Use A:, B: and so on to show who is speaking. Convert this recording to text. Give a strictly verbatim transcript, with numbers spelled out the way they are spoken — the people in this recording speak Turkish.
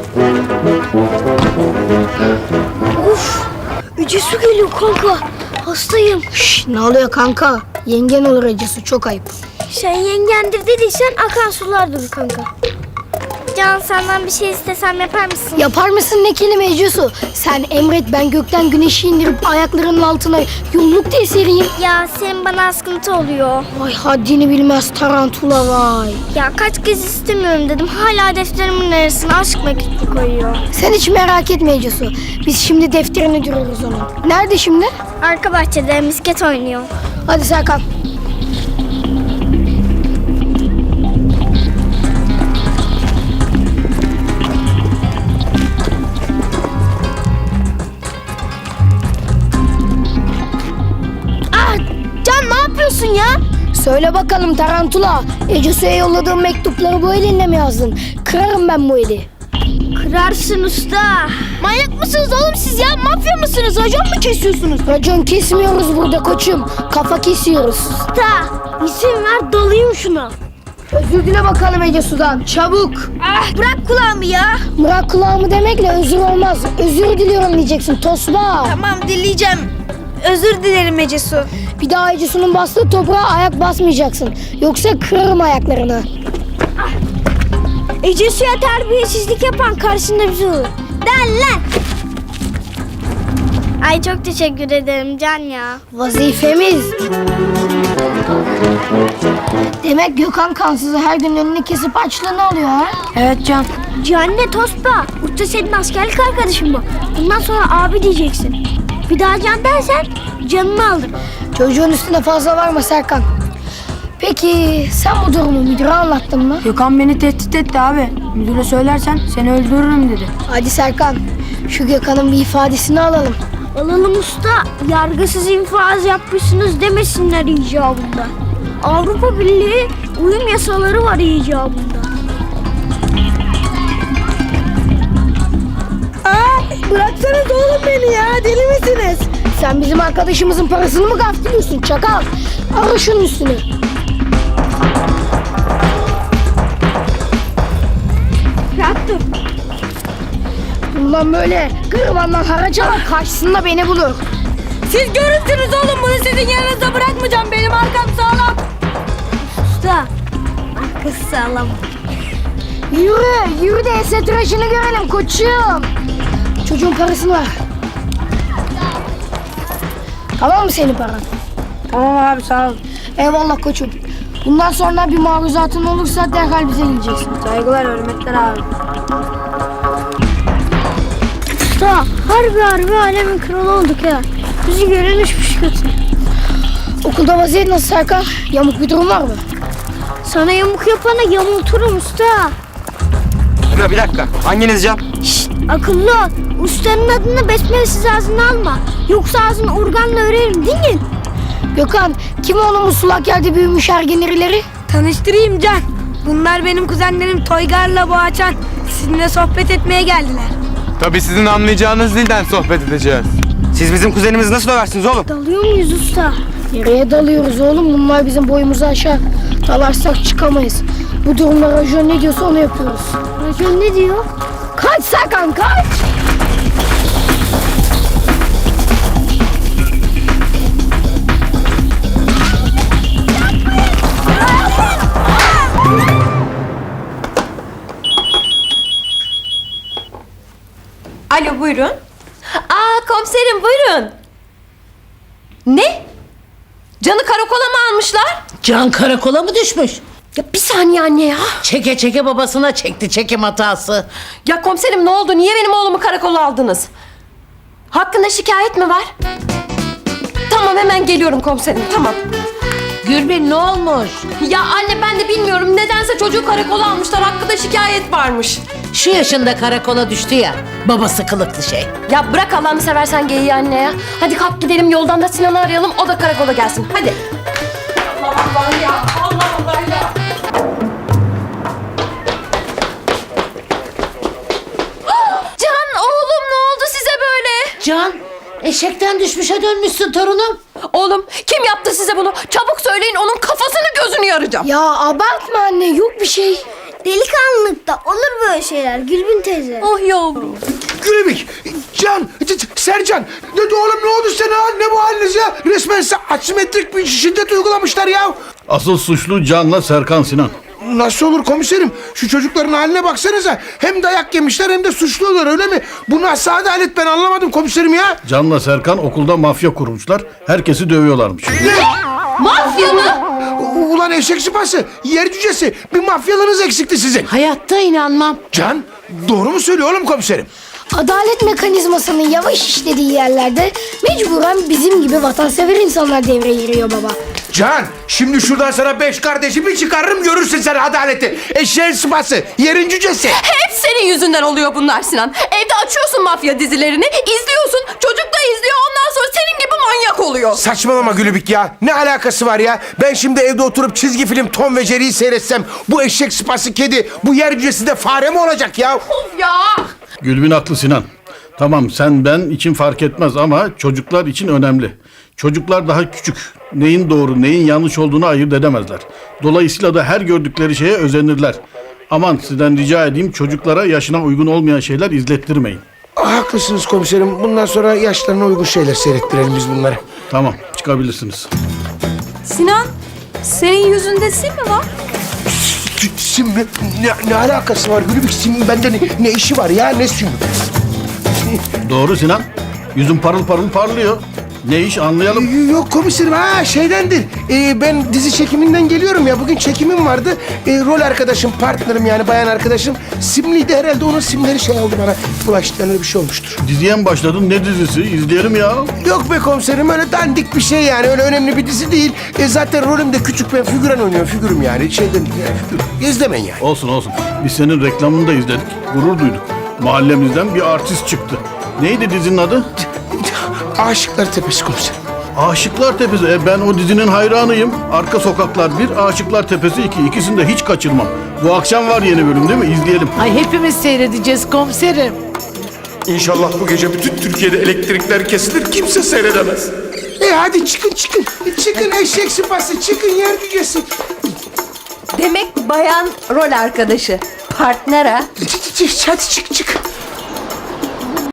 A: Uf, Ece Su geliyor kanka. Hastayım.
B: Şş, ne oluyor kanka? Yengen olur Ece Su, çok ayıp.
A: Sen yengendir dediysen akan sular durur kanka.
C: Can, senden bir şey istesem yapar mısın?
B: Yapar mısın ne kelime Ece Su? Sen emret, ben gökten güneşi indirip ayaklarının altına yolluk diye sereyim.
C: Ya senin bana askıntı oluyor.
B: Vay haddini bilmez tarantula vay.
C: Ya kaç kez istemiyorum dedim. Hala defterimin arasına aşk mektubu koyuyor.
B: Sen hiç merak etme Ece Su. Biz şimdi defterini duruyoruz onun. Nerede şimdi?
C: Arka bahçede misket oynuyor.
B: Hadi Serkan.
A: Can ne yapıyorsun ya?
B: Söyle bakalım tarantula. Ece Su'ya yolladığım mektupları bu elinle mi yazdın? Kırarım ben bu eli.
A: Kırarsın usta. Manyak mısınız oğlum siz ya? Mafya mısınız? Racon mu kesiyorsunuz?
B: Racon kesmiyoruz burada koçum. Kafa kesiyoruz.
A: Usta isim ver dalayım şuna.
B: Özür dile bakalım Ece Su'dan. Çabuk.
A: Ah bırak kulağımı ya.
B: Bırak kulağımı demekle özür olmaz. Özür diliyorum diyeceksin tosba.
A: Tamam dileyeceğim. Özür dilerim Ece Su.
B: Bir daha Ece Su'nun bastığı toprağa ayak basmayacaksın. Yoksa kırarım ayaklarını.
A: Ece Su'ya terbiyesizlik yapan karşında bizi olur. Den lan.
C: Ay çok teşekkür ederim Can ya.
B: Vazifemiz. Demek Gökhan kansızı her gün önünü kesip açlığını alıyor ha?
A: Evet Can. Canne Tospa. Usta senin askerlik arkadaşın bu. Bundan sonra abi diyeceksin. Bir daha Can dersen canını aldım.
B: Çocuğun üstüne fazla varma Serkan. Peki sen bu durumu müdüre anlattın mı?
D: Gökhan beni tehdit etti abi. Müdüre söylersen seni öldürürüm dedi.
B: Hadi Serkan, şu Gökhan'ın bir ifadesini alalım.
A: Alalım usta. Yargısız infaz yapmışsınız demesinler icabında. Avrupa Birliği uyum yasaları var icabında.
B: Aa, bıraksanız oğlum beni ya, deli misiniz? Sen bizim arkadaşımızın parasını mı gaftırıyorsun çakal? Ara şunun üstüne.
A: Rahat dur.
B: Bundan böyle gırvandan haraca var, karşısında beni bulur.
D: Siz görürsünüz oğlum, bunu sizin yanınızda bırakmayacağım. Benim arkam sağlam.
A: Usta. Arkası sağlam.
B: Yürü, yürü de ese tıraşını görelim koçum. Çocuğun parasını ver. Tamam mı senin paran?
D: Tamam abi, sağ ol.
B: Eyvallah koçum. Bundan sonra bir maruzatın olursa derhal bize geleceksin.
D: Saygılar, hürmetler abi.
A: Usta harbi harbi alemin kralı olduk ya. Bizi gören uçmuş kötü.
B: Okulda vaziyet nasıl Serkan? Yamuk bir durum var mı?
A: Sana yamuk yapana yamulturum usta.
E: Dur bir dakika. Hanginiz Can?
A: Şşt akıllı ol. Ustanın adını besmelesiz ağzına alma. Yoksa ağzını organla örerim dinleyin.
B: Gökhan, kim oğlum bu sulak yerde büyümüş ergen irileri?
D: Tanıştırayım Can. Bunlar benim kuzenlerim Toygar'la Boğaçan. Sizinle sohbet etmeye geldiler.
E: Tabii sizin anlayacağınız dilden sohbet edeceğiz. Siz bizim kuzenimizi nasıl döversiniz oğlum?
A: Dalıyor muyuz usta?
B: Nereye dalıyoruz oğlum? Bunlar bizim boyumuzu aşağı. Dalarsak çıkamayız. Bu durumda Rajon ne diyorsa onu yapıyoruz.
A: Racon ne diyor?
B: Kaç Serkan, kaç!
F: Alo buyurun. Aa komiserim buyurun. Ne? Can'ı karakola mı almışlar?
G: Can karakola mı düşmüş?
F: Ya bir saniye anne ya.
G: Çeke çeke babasına çekti çekim hatası.
F: Ya komiserim ne oldu? Niye benim oğlumu karakola aldınız? Hakkında şikayet mi var? Tamam hemen geliyorum komiserim tamam.
G: Gülbin ne olmuş?
F: Ya anne ben de bilmiyorum. Nedense çocuğu karakola almışlar. Hakkında şikayet varmış.
G: Şu yaşında karakola düştü ya. Babası kılıklı şey.
F: Ya bırak Allah'ını seversen geyiği anne ya. Hadi kalk gidelim yoldan da Sinan'ı arayalım. O da karakola gelsin. Hadi. Allah Allah ya. Allah Allah ya. Can oğlum ne oldu size böyle?
G: Can eşekten düşmüşe dönmüşsün torunum.
F: Oğlum kim yaptı size bunu? Çabuk söyleyin onun kafasını gözünü yaracağım.
B: Ya abartma anne, yok bir şey.
C: Delikanlılıkta olur böyle şeyler Gülbin teyze.
F: Oh yavrum.
H: Gülübük, Can, C- C- Sercan. Ne de oğlum ne oldu sana? Ne bu haliniz ya? Resmen size asimetrik bir şiddet uygulamışlar ya.
I: Asıl suçlu Can'la Serkan Sinan.
H: Nasıl olur komiserim? Şu çocukların haline baksanıza. Hem dayak yemişler hem de suçluyorlar öyle mi? Bu nasıl adalet ben anlamadım komiserim ya.
I: Can'la Serkan okulda mafya kurmuşlar. Herkesi dövüyorlarmış.
F: Mafya mı?
H: U- Ulan eşek sıpası, yer cücesi. Bir mafyalığınız eksikti sizin.
G: Hayatta inanmam.
H: Can, doğru mu söylüyor oğlum komiserim?
B: Adalet mekanizmasının yavaş işlediği yerlerde mecburen bizim gibi vatansever insanlar devreye giriyor baba.
H: Can, şimdi şuradan sana beş kardeşimi çıkarırım görürsün sen adaleti. Eşeğin sıpası, yerin cücesi.
F: Hep senin yüzünden oluyor bunlar Sinan. Evde açıyorsun mafya dizilerini, izliyorsun. Çocuk da izliyor, ondan sonra senin gibi manyak oluyor.
H: Saçmalama Gülübük ya. Ne alakası var ya? Ben şimdi evde oturup çizgi film Tom ve Jerry'yi seyretsem bu eşek sıpası kedi, bu yer cücesi de fare mi olacak ya?
F: Of ya!
I: Gülbin haklı Sinan. Tamam sen ben için fark etmez ama çocuklar için önemli. Çocuklar daha küçük. Neyin doğru neyin yanlış olduğunu ayırt edemezler. Dolayısıyla da her gördükleri şeye özenirler. Aman sizden rica edeyim çocuklara yaşına uygun olmayan şeyler izlettirmeyin.
H: Ah, haklısınız komiserim. Bundan sonra yaşlarına uygun şeyler seyrettirelim biz bunları.
I: Tamam çıkabilirsiniz.
F: Sinan, senin yüzünde sim mi var?
H: Sim mi? Ne, ne alakası var Gülübük? Sim'in bende ne, ne işi var ya? Ne sim?
I: Doğru Sinan. Yüzün parıl parıl parlıyor. Ne iş anlayalım.
H: Yok komiserim, ha şeydendir. Ee, ben dizi çekiminden geliyorum ya. Bugün çekimim vardı. Ee, rol arkadaşım, partnerim yani bayan arkadaşım. Simliydi herhalde, onun simleri şey oldu bana. Bulaştı, öyle bir şey olmuştur.
I: Diziye mi başladın? Ne dizisi? İzleyelim ya.
H: Yok be komiserim, öyle dandik bir şey yani. Öyle önemli bir dizi değil. E, zaten rolüm de küçük, ben figüran oynuyorum. Figürüm yani. Şeyden, yani figür. İzlemeyin yani.
I: Olsun olsun. Biz senin reklamını da izledik. Gurur duyduk. Mahallemizden bir artist çıktı. Neydi dizinin adı?
H: Aşıklar Tepesi komiserim.
I: Aşıklar Tepesi. E ben o dizinin hayranıyım. Arka Sokaklar bir, Aşıklar Tepesi iki. İkisini de hiç kaçırmam. Bu akşam var yeni bölüm değil mi? İzleyelim.
G: Ay hepimiz seyredeceğiz komiserim.
H: İnşallah bu gece bütün Türkiye'de elektrikler kesilir, kimse seyredemez. E hadi çıkın çıkın. Çıkın eşek sıpası, çıkın yer cücesi.
F: Demek bayan rol arkadaşı. Partner ha?
H: Hadi çık çık.